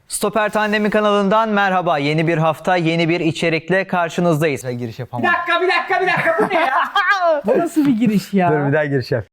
Stoper Tandemi kanalından merhaba. Yeni bir hafta, yeni bir içerikle karşınızdayız. Giriş yapamam. Bir dakika bu ne ya? Bu nasıl bir giriş ya? Dur bir daha giriş yap.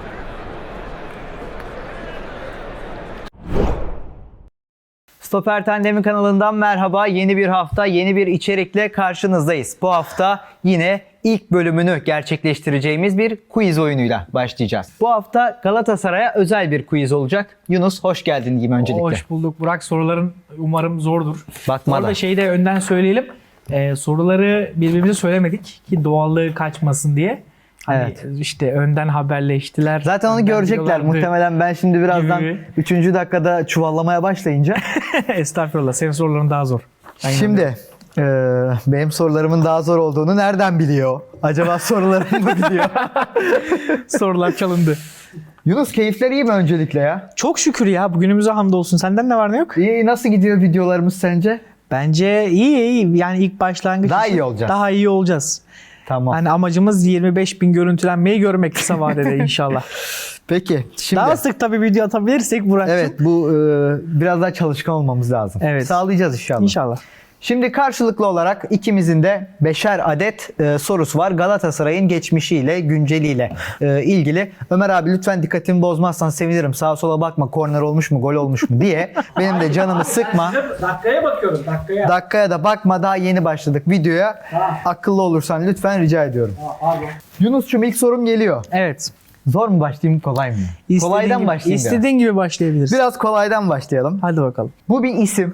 Stoper Tandemi kanalından merhaba. Yeni bir hafta, yeni bir içerikle karşınızdayız. Bu hafta yine ilk bölümünü gerçekleştireceğimiz bir quiz oyunuyla başlayacağız. Bu hafta Galatasaray'a özel bir quiz olacak. Yunus hoş geldin diyeyim öncelikle. Hoş bulduk Burak. Soruların umarım zordur. Bakma da. Orada şeyi de önden söyleyelim. Soruları birbirimize söylemedik ki doğallığı kaçmasın diye. Hani Evet. işte önden haberleştiler. Zaten onu önden görecekler diyorlardı. muhtemelen. Ben şimdi birazdan Gibi. 3. dakikada çuvallamaya başlayınca. Estağfurullah. Senin soruların daha zor. Aynen öyle. Şimdi benim sorularımın daha zor olduğunu nereden biliyor? Acaba sorularımı mı biliyor? Sorular çalındı. Yunus keyifler iyi mi öncelikle ya? Çok şükür ya. Bugünümüze hamdolsun. Senden ne var ne yok? İyi, nasıl gidiyor videolarımız sence? Bence iyi. Yani ilk başlangıç Daha için iyi olacağız. Daha iyi olacağız. Tamam. Hani amacımız 25.000 görüntülenmeyi görmek kısa vadede inşallah. Peki şimdi. Daha sık tabii video atabilirsek Burak'cığım. Evet bu biraz daha çalışkan olmamız lazım. Evet. Sağlayacağız inşallah. İnşallah. Şimdi karşılıklı olarak ikimizin de 5'er adet sorusu var. Galatasaray'ın geçmişiyle, günceliyle ilgili. Ömer abi lütfen dikkatimi bozmazsan sevinirim. Sağa sola bakma, korner olmuş mu, gol olmuş mu diye. Benim de canımı sıkma. Dakikaya bakıyorum dakikaya. Dakikaya da bakma, daha yeni başladık videoya. Akıllı olursan lütfen rica ediyorum. Yunus'cum ilk sorum geliyor. Evet. Zor mu başlayayım, kolay mı? Kolaydan başlayayım. İstediğin gibi başlayabilirsin. Biraz kolaydan başlayalım. Hadi bakalım. Bu bir isim.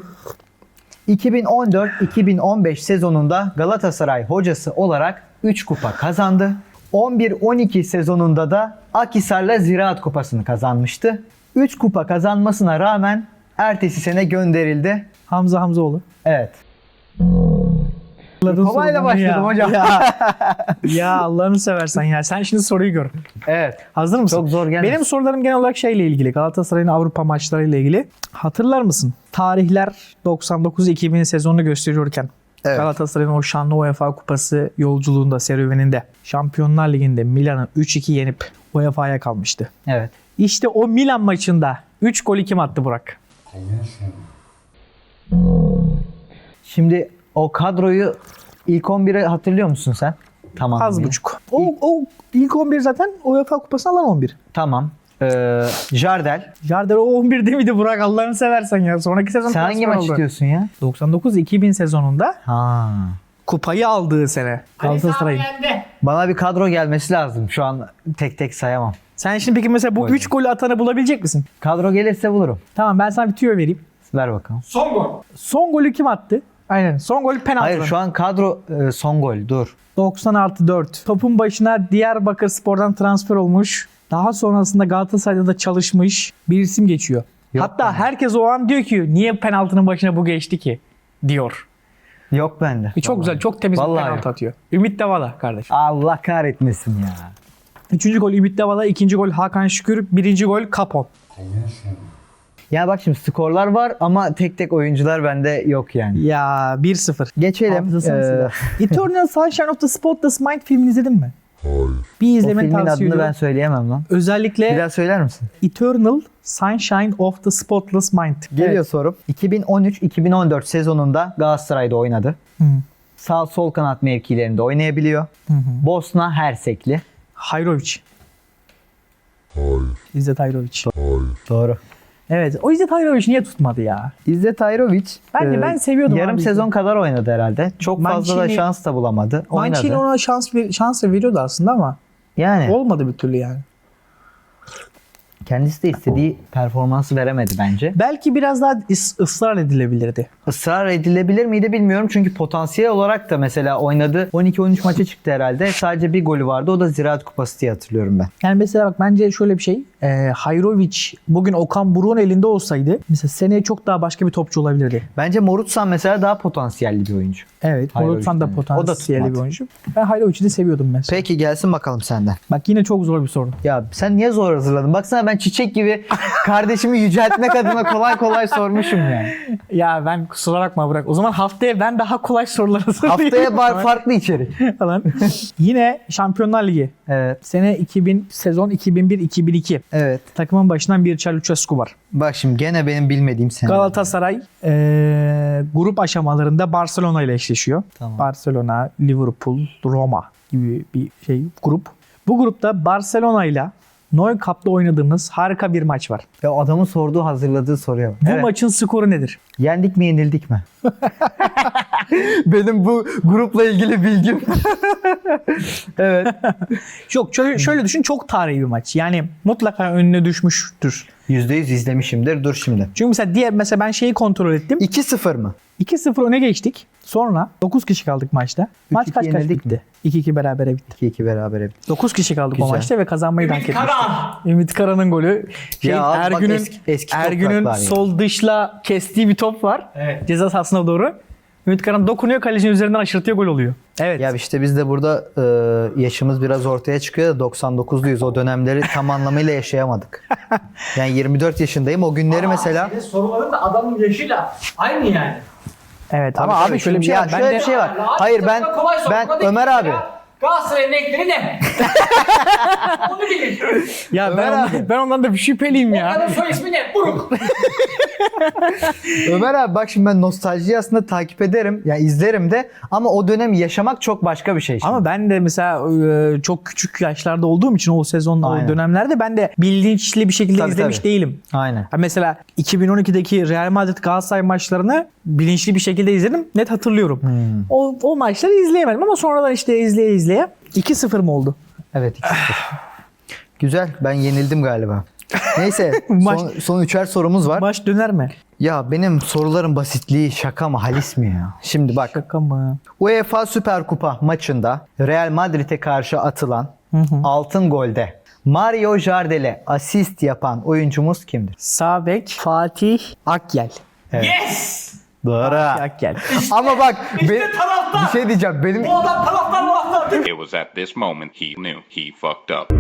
2014-2015 sezonunda Galatasaray hocası olarak 3 kupa kazandı. 11-12 sezonunda da Akhisar'la Ziraat Kupası'nı kazanmıştı. 3 kupa kazanmasına rağmen ertesi sene gönderildi. Hamza Hamzoğlu. Evet. Kolayla Kolayla başladım hocam. Ya Allah'ını seversen ya. Sen şimdi soruyu gör. Evet. Hazır mısın? Çok zor gelmesin. Benim sorularım genel olarak şeyle ilgili. Galatasaray'ın Avrupa maçlarıyla ilgili. Hatırlar mısın? Tarihler 99-2000 sezonunu gösteriyorken Evet. Galatasaray'ın o şanlı UEFA Kupası yolculuğunda, serüveninde Şampiyonlar Ligi'nde Milan'ı 3-2 yenip UEFA'ya kalmıştı. Evet. İşte o Milan maçında 3 golü kim attı Burak? Şimdi o kadroyu ilk 11'i hatırlıyor musun sen? Tamam. Az buçuk. O ilk 11 zaten UEFA Kupası'nı alan 11. Tamam. Jardel. Jardel o 11'de miydi Burak? Allah'ını seversen ya. Sonraki sezon Sen hangi transfer maç oldu. istiyorsun ya? 99-2000 sezonunda Ha. kupayı aldığı sene Galatasaray'ın. Bana bir kadro gelmesi lazım. Şu an tek tek sayamam. Sen şimdi peki mesela bu Buyurun. 3 golü atanı bulabilecek misin? Kadro gelirse bulurum. Tamam ben sana bir tüyo vereyim. Ver bakalım. Son golü kim attı? Aynen. Son golü penaltı. Hayır şu an kadro son gol. Dur. 96-4. Topun başına Diyarbakırspor'dan transfer olmuş. Daha sonrasında Galatasaray'da da çalışmış bir isim geçiyor. Yok Hatta bende. herkes o an diyor ki niye penaltının başına bu geçti ki? Diyor. Yok bende. Çok güzel, çok temiz bir Vallahi penaltı yok. atıyor. Ümit Davala kardeşim. Allah kahretmesin ya. 3. gol Ümit Davala, 2. gol Hakan Şükür, 1. gol Kapon. Ya bak şimdi skorlar var ama tek tek oyuncular bende yok yani. Ya 1-0. Geçelim. Hafızasını siler. Eternal Sunshine of the Spotless Mind filmini izledin mi? Hayır. Bir O izlemeni filmin tavsiye adını ediyorum. ben söyleyemem lan. Özellikle Bir daha söyler misin? Eternal Sunshine of the Spotless Mind. Geliyor sorum. 2013-2014 sezonunda Galatasaray'da oynadı. Hı. Sağ sol kanat mevkilerinde oynayabiliyor. Bosna Hersekli. Hayrovic. Hayır. İzzet Hayrovic. Doğru. Evet. O İzzet Hayrovic niye tutmadı ya? İzzet Ayrovic Ben seviyordum yarım abi sezon kadar oynadı herhalde. Çok fazla da Mancini- şans da bulamadı. Mancini Oynadı. ona şans veriyordu aslında ama Yani olmadı bir türlü yani. kendisi de istediği performansı veremedi bence. Belki biraz daha ısrar edilebilirdi. Israr edilebilir miydi bilmiyorum. Çünkü potansiyel olarak da mesela oynadı. 12-13 maça çıktı herhalde. Sadece bir golü vardı. O da Ziraat Kupası diye hatırlıyorum ben. Yani mesela bak bence şöyle bir şey. Hayrovic bugün Okan Buruk'un elinde olsaydı mesela seneye çok daha başka bir topçu olabilirdi. Bence Morutsan mesela daha potansiyelli bir oyuncu. Evet. Hayrovic Morutsan da yani. potansiyelli O da bir tutmadı. oyuncu. Ben Hayrovic'i de seviyordum mesela. Peki gelsin bakalım senden. Bak yine çok zor bir soru. Ya sen niye zor hazırladın? Baksana ben çiçek gibi kardeşimi yüceltmek adına kolay kolay sormuşum yani. Ya ben kusura bakma Burak. O zaman haftaya ben daha kolay sorular hazırlayayım. Haftaya farklı içerik. Falan. Yine Şampiyonlar Ligi. Evet. Sene 2000, sezon 2001-2002. Evet. Takımın başından Mircea Lucescu var. Bak şimdi gene benim bilmediğim sene. Galatasaray grup aşamalarında Barcelona ile eşleşiyor. Tamam. Barcelona, Liverpool, Roma gibi bir grup. Bu grupta Barcelona ile Nou Camp'ta oynadığımız harika bir maç var. Ya adamın sorduğu, hazırladığı soruya bak. Bu maçın skoru nedir? Yendik mi, yenildik mi? Benim bu grupla ilgili bilgim. Evet. Yok şöyle düşün, çok tarihi bir maç. Yani mutlaka önüne düşmüştür. %100 izlemişimdir. Dur şimdi. Çünkü mesela ben şeyi kontrol ettim. 2-0 mı? 2-0 öne geçtik. Sonra 9 kişi kaldık maçta. Maç 3-2 kaç yenildik bitti? 2-2 berabere bitti. 2-2 berabere bitti. 9 kişi kaldık o Güzel. maçta ve kazanmayı da hak etmiştik. Ümit Karan'ın golü. Ya abi bak, Ergün'ün eski Ergün'ün topraklar ya. sol dışla kestiği bir top var. Ceza sahasına doğru. Ümit Karan dokunuyor, kalecinin üzerinden aşırtıyor, gol oluyor. Evet. Ya işte biz de burada yaşımız biraz ortaya çıkıyor da 99'luyuz. O dönemleri tam anlamıyla yaşayamadık. Yani 24 yaşındayım. O günleri mesela... Senin soruların da adamın yaşıyla aynı yani. Evet ama Tabii, abi şöyle bir şey ya var. şöyle bir şey var. Hayır ben Ömer abi. Galatasaray'ın renkleri ne? Onu bilir. Ya Ömer ben ondan da bir şüpheliyim ya. Adamın soy ismi ne? Buruk. Ömer abi bak şimdi ben nostaljiyi aslında takip ederim. Yani izlerim de ama o dönemi yaşamak çok başka bir şey. Şimdi. Ama ben de mesela çok küçük yaşlarda olduğum için o sezon, Aynen. o dönemlerde ben de bilinçli bir şekilde Tabii, izlemiş tabii. değilim. Aynen. Ha mesela 2012'deki Real Madrid Galatasaray maçlarını bilinçli bir şekilde izledim. Net hatırlıyorum. O maçları izleyemedim ama sonradan işte izleye 2-0 mı oldu? Evet 2-0. Güzel. Ben yenildim galiba. Neyse son üçer sorumuz var. Maç döner mi? Ya benim soruların basitliği şaka mı halis mi ya? Şimdi bak Şaka mı? UEFA Süper Kupa maçında Real Madrid'e karşı atılan altın golde Mario Jardel'e asist yapan oyuncumuz kimdir? Sağ bek Fatih Akyel. Yes! Doğru. Akyel. Ama bak taraftar. bir şey diyeceğim. Benim Bu adam taraftar muhaftar. It was at this moment he knew he fucked up.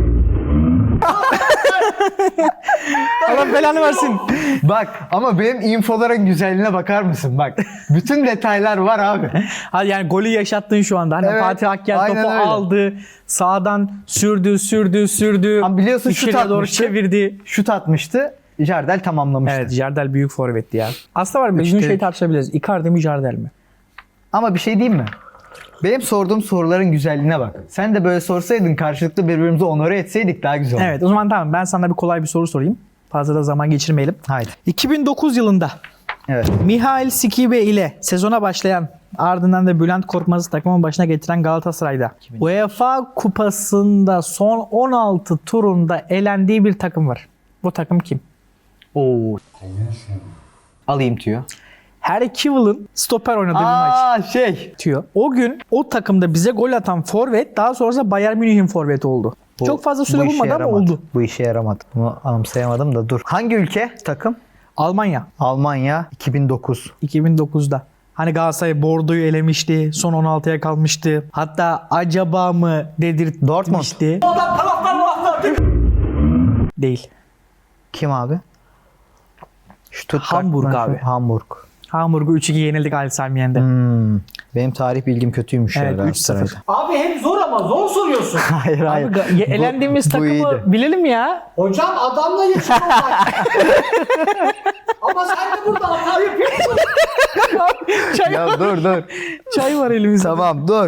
Allah belanı versin. bak ama benim infoların güzelliğine bakar mısın? Bak bütün detaylar var abi. Hadi yani golü yaşattın şu anda. Hani Evet, Fatih Akyel aynen topu öyle. aldı. Sağdan sürdü. Ama biliyorsun şut İçeriye doğru atmıştı. çevirdi. Şut atmıştı. Jardel tamamlamıştı. Evet, Jardel büyük forvetti ya. Aslında var, biz Üçte- bunu şey tartışabiliriz. Icardi mi Jardel mi? Ama bir şey diyeyim mi? Benim sorduğum soruların güzelliğine bak. Sen de böyle sorsaydın, karşılıklı birbirimizi onore etseydik daha güzel olurdu. Evet, o zaman tamam, ben sana bir kolay bir soru sorayım. Fazla da zaman geçirmeyelim. Haydi. 2009 yılında Evet. Mihail Skibe ile sezona başlayan, ardından da Bülent Korkmaz'ı takımın başına getiren Galatasaray'da UEFA Kupası'nda son 16 turunda elendiği bir takım var. Bu takım kim? Oo. Alayım tüyo. Harry Kewell'ın stoper oynadığı bir maç. Tüyo. O gün o takımda bize gol atan forvet daha sonrasında Bayern Münih'in forveti oldu. Bu- Çok fazla süre bu işe bulmadı ama yaramadı. oldu. Bu işe yaramadı. Bunu anımsayamadım da dur. Hangi ülke takım? Almanya Almanya 2009. 2009'da. Hani Galatasaray Bordeaux'u elemişti. Son 16'ya kalmıştı. Hatta acaba mı dedirtmişti. Bu adam taraftar muhaftar. Değil. Kim abi? Stuttgart Hamburg mı? abi. Hamburg. Hamburg'u 3-2 yenildik Ali Sami Yen'de. Benim tarih bilgim kötüymüş Evet, ya 3-0. Galatasaray'da. Abi hem zor ama zor soruyorsun. Hayır hayır. Abi, elendiğimiz Bu takımı iyiydi. bilelim ya. Hocam adamla yaşıyorlar. Ama sen de burada hata yapıyorsun. Çay, Ya dur. çay var elimizde. Tamam dur.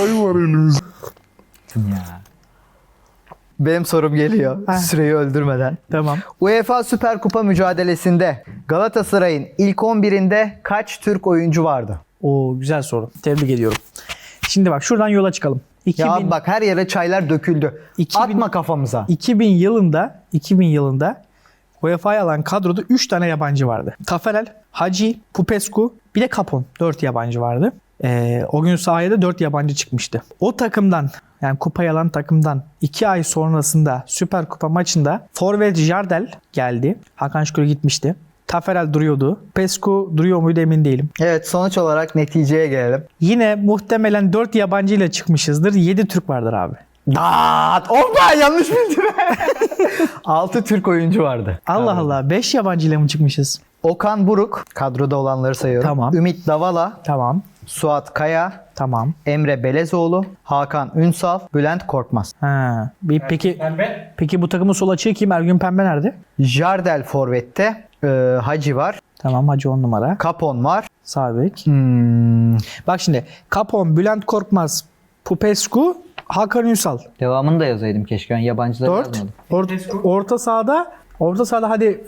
Benim sorum geliyor. Ha. Süreyi öldürmeden. Tamam. UEFA Süper Kupa mücadelesinde Galatasaray'ın ilk 11'inde kaç Türk oyuncu vardı? Oo, güzel soru. Tebrik ediyorum. Şimdi bak şuradan yola çıkalım. 2000, Ya bak her yere çaylar döküldü. 2000 Atma kafamıza. 2000 yılında UEFA'ya alan kadroda 3 tane yabancı vardı. Taferel, Hacı, Popescu, bir de Capon. 4 yabancı vardı. O gün sahaya da 4 yabancı çıkmıştı. O takımdan, yani kupayı alan takımdan 2 ay sonrasında Süper Kupa maçında forvet Jardel geldi. Hakan Şükür gitmişti. Taferel duruyordu. Pescu duruyor muydu emin değilim. Evet sonuç olarak neticeye gelelim. Yine muhtemelen 4 yabancı ile çıkmışızdır. 7 Türk vardır abi. Daat! Opa yanlış bildim. 6 Türk oyuncu vardı. Allah Allah, 5 yabancı ile mi çıkmışız? Okan Buruk, kadroda olanları sayıyorum. Tamam. Ümit Davala, Tamam. Suat Kaya, Tamam. Emre Belezoğlu, Hakan Ünsal, Bülent Korkmaz. Ha. Peki Pembe. peki bu takımın sol açığı kim? Ergün Pembe nerede? Jardel Forvet'te Hacı var. Tamam, Hacı 10 numara. Kapon var. Sağ bek. Hmm, Bak şimdi Capon, Bülent Korkmaz, Popescu, Hakan Ünsal. devamını da yazaydım keşke. Ben yabancıları 4. yazmadım. Orta sahada hadi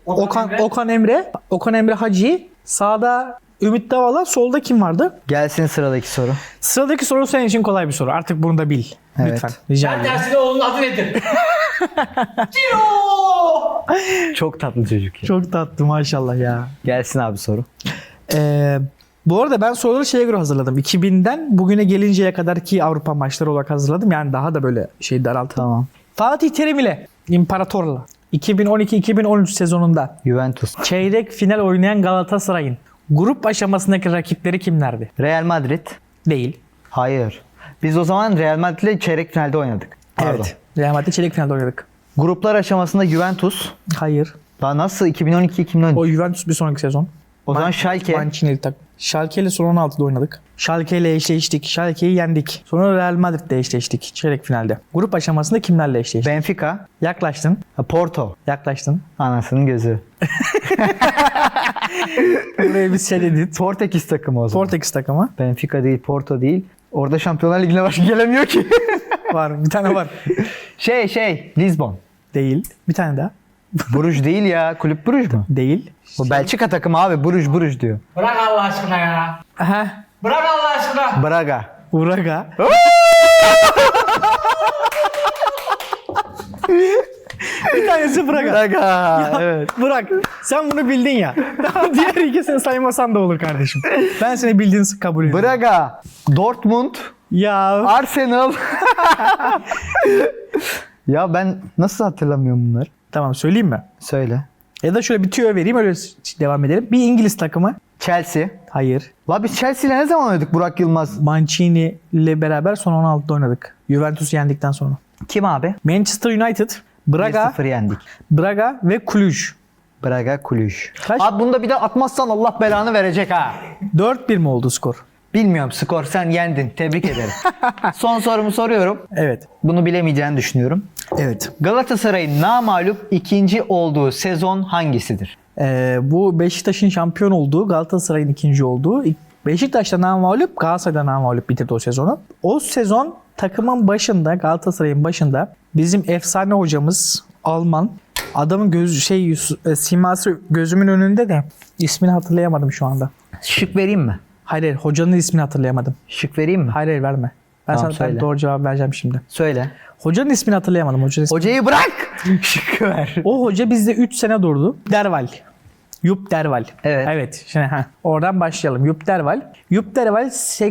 Okan Emre Hacı, sağda Ümit Davala, solda kim vardı? Gelsin sıradaki soru. Sıradaki soru senin için kolay bir soru. Artık bunu da bil. Evet. Lütfen. Rica Ben ederim. tersine onun adı nedir? Ciro! Çok tatlı çocuk ya. Çok tatlı maşallah ya. Gelsin abi soru. Bu arada ben soruları şeye göre hazırladım. 2000'den bugüne gelinceye kadarki Avrupa maçları olarak hazırladım. Yani daha da böyle daralttım. Tamam. Fatih Terim ile İmparator'la 2012-2013 sezonunda Juventus. çeyrek final oynayan Galatasaray'ın grup aşamasındaki rakipleri kimlerdi? Real Madrid. Değil. Hayır. Biz o zaman Real Madrid'le çeyrek finalde oynadık. Pardon. Evet. Real Madrid çeyrek finalde oynadık. Gruplar aşamasında Juventus. Hayır. Daha nasıl 2012-2013? O Juventus bir sonraki sezon. O zaman Schalke. Mancini'li tak. Schalke ile son 16'da oynadık. Schalke ile eşleştik. Schalke'yi yendik. Sonra Real Madrid'le eşleştik çeyrek finalde. Grup aşamasında kimlerle eşleştik? Benfica. Yaklaştın. Porto. Yaklaştın. Anasının gözü. Buraya biz dedik. Portekiz takımı o zaman. Portekiz takımı. Benfica değil, Porto değil. Orada Şampiyonlar Ligi'ne başka gelemiyor ki. Var. Bir tane var. Lisbon. Değil. Bir tane daha. Bruges değil ya. Kulüp Bruges mu? Değil. Bu Belçika takımı abi. Bruges diyor. Bırak Allah aşkına ya. Aha. Bırak Allah aşkına. Braga. Uraga. Bir tanesi Braga. Braga. Evet. Bırak. Sen bunu bildin ya. Diğer ikisini saymasan da olur kardeşim. Ben seni bildiğini kabul ediyorum. Braga. Dortmund. Ya. Arsenal. Ya ben nasıl hatırlamıyorum bunları? Tamam, söyleyeyim mi? Söyle. Ya da şöyle bir tüyo vereyim, öyle devam edelim. Bir İngiliz takımı. Chelsea. Hayır. La biz Chelsea ile ne zaman oynadık Burak Yılmaz? Mancini ile beraber son 16'da oynadık. Juventus'u yendikten sonra. Kim abi? Manchester United, Braga, 1-0 yendik. Braga ve Cluj. Braga Cluj. Kaç? Abi bunda bir de atmazsan Allah belanı verecek ha. 4-1 mi oldu skor? Bilmiyorum skor, sen yendin. Tebrik ederim. Son sorumu soruyorum. Evet. Bunu bilemeyeceğini düşünüyorum. Evet. Galatasaray'ın namağlup ikinci olduğu sezon hangisidir? Bu Beşiktaş'ın şampiyon olduğu, Galatasaray'ın ikinci olduğu. Beşiktaş'ta namağlup, Galatasaray'da namağlup bitirdi o sezonu. O sezon takımın başında, Galatasaray'ın başında bizim efsane hocamız Alman. Adamın siması gözümün önünde de ismini hatırlayamadım şu anda. Şık vereyim mi? Hayır, hocanın ismini hatırlayamadım. Şık vereyim mi? Hayır, verme. Ben Tamam, sana söyle. doğru cevap vereceğim şimdi. Söyle. Hocanın ismini hatırlayamadım. Hocayı bırak. Şık ver. O hoca bizde 3 sene durdu. Derval. Yup Derval. Evet. Evet. Şimdi oradan başlayalım. Yup Derval. Yup Derval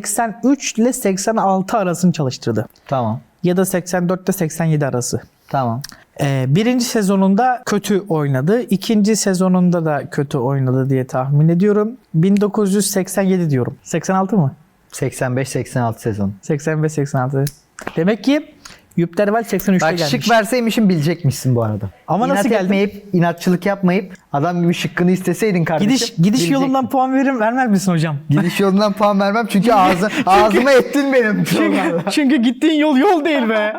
83 ile 86 arasını çalıştırdı. Tamam. Ya da 84 ile 87 arası. Tamam. Birinci sezonunda kötü oynadı. İkinci sezonunda da kötü oynadı diye tahmin ediyorum. 1987 diyorum. 86 mı? 85-86 sezon. 85-86. Demek ki Yup Derval 83'te Bak gelmiş. şık verseymişim bilecekmişsin bu arada. Ama nasıl İnat geldin? etmeyip, inatçılık yapmayıp adam gibi şıkkını isteseydin kardeşim. Gidiş bilecektin. yolundan puan vermez misin hocam? Gidiş yolundan puan vermem çünkü ağzıma ettin benim. Çünkü gittiğin yol değil be.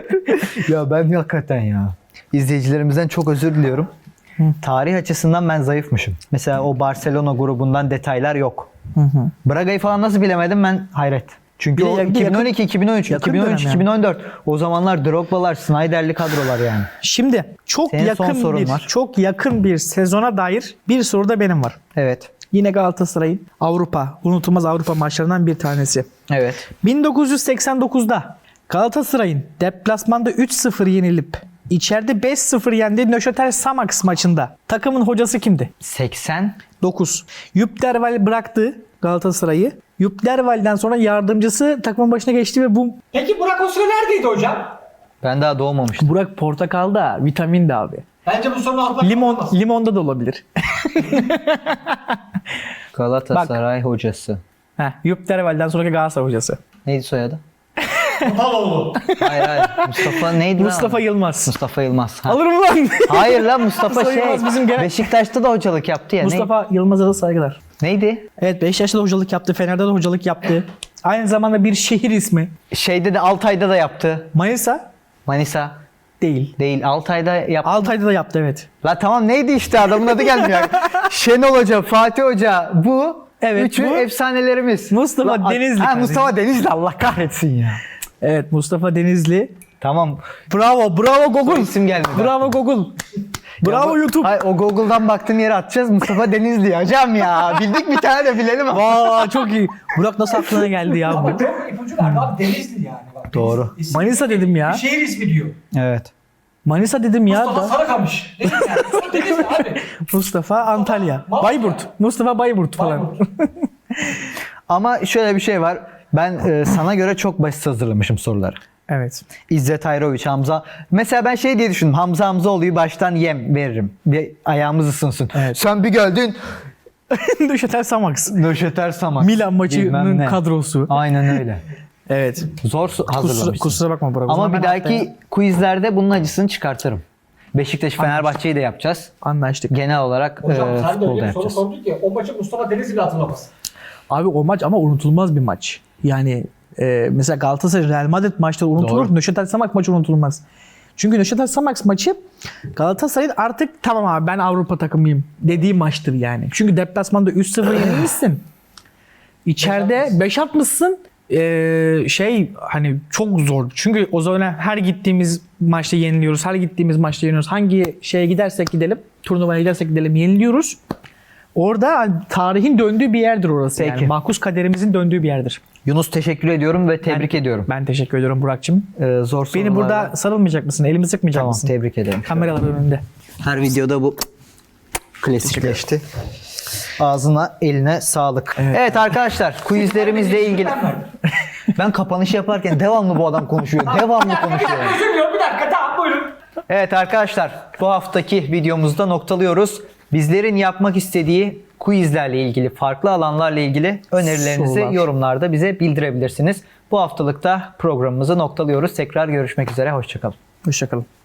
Ya ben hakikaten ya. İzleyicilerimizden çok özür diliyorum. Tarih açısından ben zayıfmışım. Mesela o Barcelona grubundan detaylar yok. Braga'yı falan nasıl bilemedim ben hayret. Çünkü Bir de o yakın- 2012, 2013, yakın 2013, dönem yani. 2014 o zamanlar Drogba'lar, Snyder'li kadrolar yani. Şimdi Senin son sorun var. çok yakın bir sezona dair bir soru da benim var. Evet. Yine Galatasaray'ın unutulmaz Avrupa maçlarından bir tanesi. Evet. 1989'da Galatasaray'ın deplasmanda 3-0 yenilip içeride 5-0 yendiği Neuchâtel Xamax maçında takımın hocası kimdi? 80. 9. Yup Derval bıraktı Galatasaray'ı. Yup Derval'den sonra yardımcısı takımın başına geçti ve bu Peki Burak o süre neredeydi hocam? Ben daha doğmamıştım. Burak portakal da vitamin de abi. Bence bu sorunun altında Limonda da olabilir. Galatasaray hocası. Yup Derval'den sonraki Galatasaray hocası. Neydi soyadı? Topaloğlu. Hayır. Mustafa neydi lan? Mustafa Yılmaz. Mustafa Yılmaz. Ha. Alırım lan. Hayır lan Mustafa Mustafa şey. Yılmaz bizim genel- Beşiktaş'ta da hocalık yaptı ya. Mustafa Yılmaz'a da saygılar. Neydi? Evet, Beşiktaş'ta da hocalık yaptı. Fener'de de hocalık yaptı. Aynı zamanda bir şehir ismi. Şeyde de Altay'da da yaptı. Manisa Manisa değil. değil. Altay'da yaptı. Altay'da da yaptı, evet. La tamam neydi işte adamın adı gelmiyor. Şenol Hoca, Fatih Hoca bu. Evet, Üçü bu. efsanelerimiz. Mustafa Denizli Ha, kardeşim. Mustafa Denizli Allah kahretsin ya. Evet, Mustafa Denizli. Tamam. Bravo Google. İsim gelmedi. Bravo Google. Bravo Ya bu- YouTube. Hayır, o Google'dan baktığın yere atacağız. Mustafa Denizli hocam ya. Bildik bir tane de bilelim ama. Vaa, çok iyi. Burak nasıl aklına geldi ya Ama bu? çok ipucu verdi abi. Denizli yani. Bak, Doğru. Denizli. İsim- Manisa dedim ya. Bir şehir ismi diyor. Evet. Manisa dedim ya. Mustafa Sarıkamış. Denizli yani. Sonra Denizli abi. Mustafa Antalya. Malatya. Bayburt. Mustafa Bayburt falan. Bayburt. Ama şöyle bir şey var. Ben sana göre çok basit hazırlamışım soruları. Evet. İzzet Ayroviç, Hamza. Mesela ben şey diye düşündüm. Hamza Hamzaoğlu'yu baştan yem veririm. Bir ayağımız ısınsın. Evet. Sen bir geldin. Nöşetel Samax. Nöşeter Samak. Milan Bilmem maçının ne. kadrosu. Aynen öyle. Evet. Zor hazırlamışsın. Kusura bakma Burak. O Ama zaman bir ben dahaki haftaya quizlerde bunun acısını çıkartırım. Beşiktaş Fenerbahçe'yi de yapacağız. anlaştık. Genel olarak Hocam sen de futbolda öyle bir soru yapacağız. sordun ki o maçı Mustafa Denizli hatırlamaz. Abi o maç ama unutulmaz bir maç. Yani mesela Galatasaray Real Madrid maçları unutulur. Doğru. Nöşetel Samax maçı unutulmaz. Çünkü Nöşetel Samax maçı Galatasaray'ın artık tamam abi ben Avrupa takımıyım dediği maçtır yani. Çünkü deplasmanda 3-0 yenilmişsin. İçeride 5 atmışsın. Hani çok zor. Çünkü o zaman her gittiğimiz maçta yeniliyoruz. Her gittiğimiz maçta yeniliyoruz. Hangi şeye gidersek gidelim, turnuvaya gidersek gidelim yeniliyoruz. Orada hani tarihin döndüğü bir yerdir orası. Peki. Yani mahkus kaderimizin döndüğü bir yerdir. Yunus teşekkür ediyorum ve tebrik ediyorum. Ben teşekkür ediyorum Burak'cığım. Zor sorular. Beni burada sarılmayacak mısın? Elimi sıkmayacak Tamam, mısın? tebrik ederim. Kameralar önünde. Her videoda bu klasikleşti. Ağzına, eline sağlık. Evet, arkadaşlar, quizlerimizle ilgili. Ben kapanış yaparken devamlı bu adam konuşuyor. Devamlı konuşuyor. Üzülmüyorum bir dakika tamam buyurun. Evet arkadaşlar, bu haftaki videomuzda noktalıyoruz. Bizlerin yapmak istediği quizlerle ilgili, farklı alanlarla ilgili önerilerinizi Sorular. yorumlarda bize bildirebilirsiniz. Bu haftalıkta programımızı noktalıyoruz. Tekrar görüşmek üzere, hoşçakalın. Hoşçakalın.